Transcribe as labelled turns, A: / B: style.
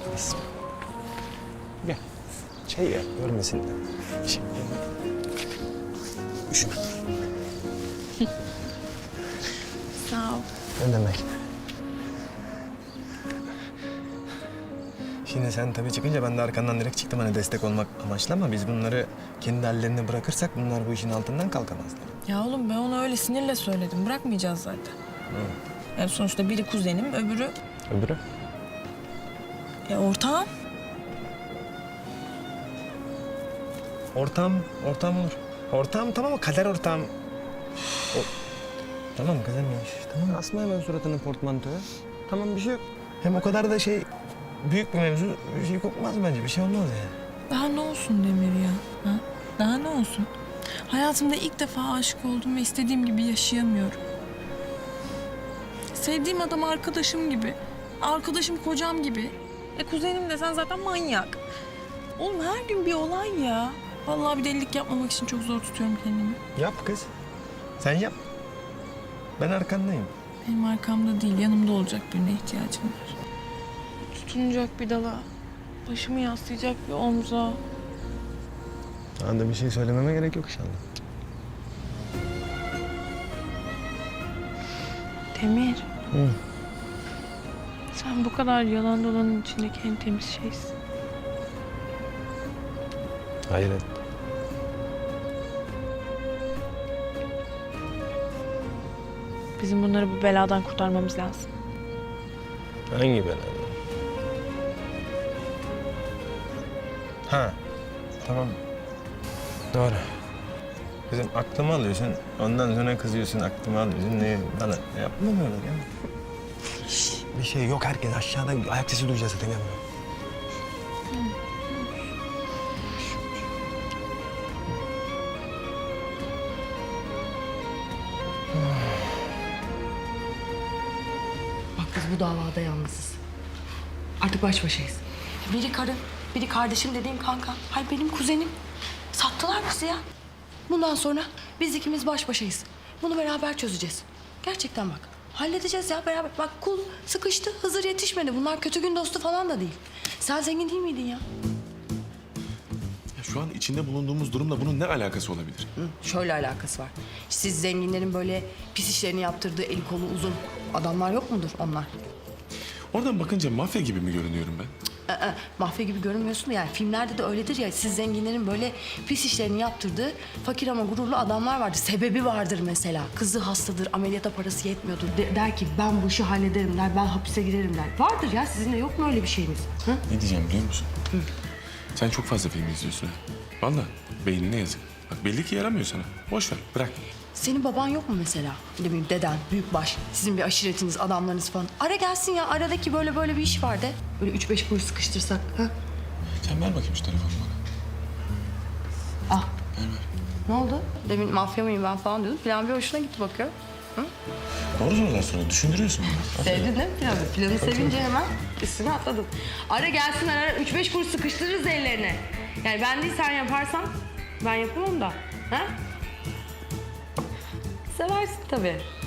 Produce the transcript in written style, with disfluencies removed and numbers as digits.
A: Gel. Çay ya, görmesin. Şey. Üşüme.
B: Sağ ol.
A: Ne demek? Şimdi sen tabii çıkınca ben de arkandan direkt çıktım hani destek olmak amaçlı ama biz bunları kendi hallerine bırakırsak bunlar bu işin altından kalkamazlar.
B: Ya oğlum ben ona öyle sinirle söyledim. Bırakmayacağız zaten. Yani sonuçta biri kuzenim, öbürü
A: Öbürü?
B: Ortağım.
A: Ortağım olur. Ortağım tamam mı? Kader ortağım. Tamam kızım ya. Tamam asma hemen suratını portmantoya. Tamam bir şey yok. Hem o kadar da büyük bir mevzu bir şey kokmaz bence. Bir şey olmaz yani.
B: Daha ne olsun Demir ya? Ha? Daha ne olsun? Hayatımda ilk defa aşık oldum ve istediğim gibi yaşayamıyorum. Sevdiğim adam arkadaşım gibi. Arkadaşım kocam gibi. Kuzenim desen zaten manyak. Oğlum her gün bir olay ya. Vallahi bir delilik yapmamak için çok zor tutuyorum kendimi.
A: Yap kız. Sen yap. Ben arkandayım.
B: Benim arkamda değil, yanımda olacak birine ihtiyacım var. Tutunacak bir dala, başımı yaslayacak bir omza.
A: Sana da bir şey söylememe gerek yok inşallah.
B: Demir.
A: Hı.
B: Sen bu kadar yalan dolanın içindeki en temiz şeysin.
A: Hayret.
B: Bizim bunları bu beladan kurtarmamız lazım.
A: Hangi bela? Ha. Tamam. Doğru. Kızım aklımı alıyorsun. Ondan sonra kızıyorsun, aklımı alıyorsun. Ne bana yapma böyle ya. Bir şey yok, herkes aşağıda ayak sesi duyacağız zaten.
C: Bak biz bu davada yalnızız. Artık baş başayız. Biri karım, biri kardeşim dediğim kanka. Hayır benim kuzenim. Sattılar bizi ya. Bundan sonra biz ikimiz baş başayız. Bunu beraber çözeceğiz. Gerçekten bak. Halledeceğiz ya beraber. Bak kul sıkıştı, Hızır yetişmedi. Bunlar kötü gün dostu falan da değil. Sen zengin değil miydin ya?
D: Ya şu an içinde bulunduğumuz durumla bunun ne alakası olabilir?
C: Hı, şöyle alakası var. Siz zenginlerin böyle pis işlerini yaptırdığı eli kolu uzun adamlar yok mudur onlar?
D: Oradan bakınca mafya gibi mi görünüyorum ben?
C: Mafya gibi görünmüyorsun da yani filmlerde de öyledir ya, siz zenginlerin böyle pis işlerini yaptırdığı fakir ama gururlu adamlar vardır. Sebebi vardır mesela. Kızı hastadır, ameliyata parası yetmiyordur. Der ki ben bu işi hallederim der, ben hapise girerim der. Vardır ya, sizin de yok mu öyle bir şeyiniz? Hı?
D: Ne diyeceğim biliyor musun? Sen çok fazla film izliyorsun ha. Vallahi beynine yazık. Bak belli ki yaramıyor sana. Boş ver, bırak.
C: Senin baban yok mu mesela? Ne bileyim deden, büyükbaş, sizin bir aşiretiniz, adamlarınız falan. Ara gelsin ya, aradaki böyle bir iş var de. Böyle 3-5 kuruş sıkıştırsak. Ha?
D: Sen ver bakayım şu telefonu bana.
C: Ah.
D: Ver ver.
C: Ne oldu? Demin mafya mıyım ben falan diyordun. Plan bir hoşuna gitti bakıyor.
D: Doğru sorular sonra düşündürüyorsun beni.
C: Sevdin değil mi planı? Planı sevince hemen üstüne atladın. Ara gelsin ara 3-5 kuruş sıkıştırırız ellerine. Yani ben değil sen yaparsan ben yapamam da. Ha? Seversin tabii.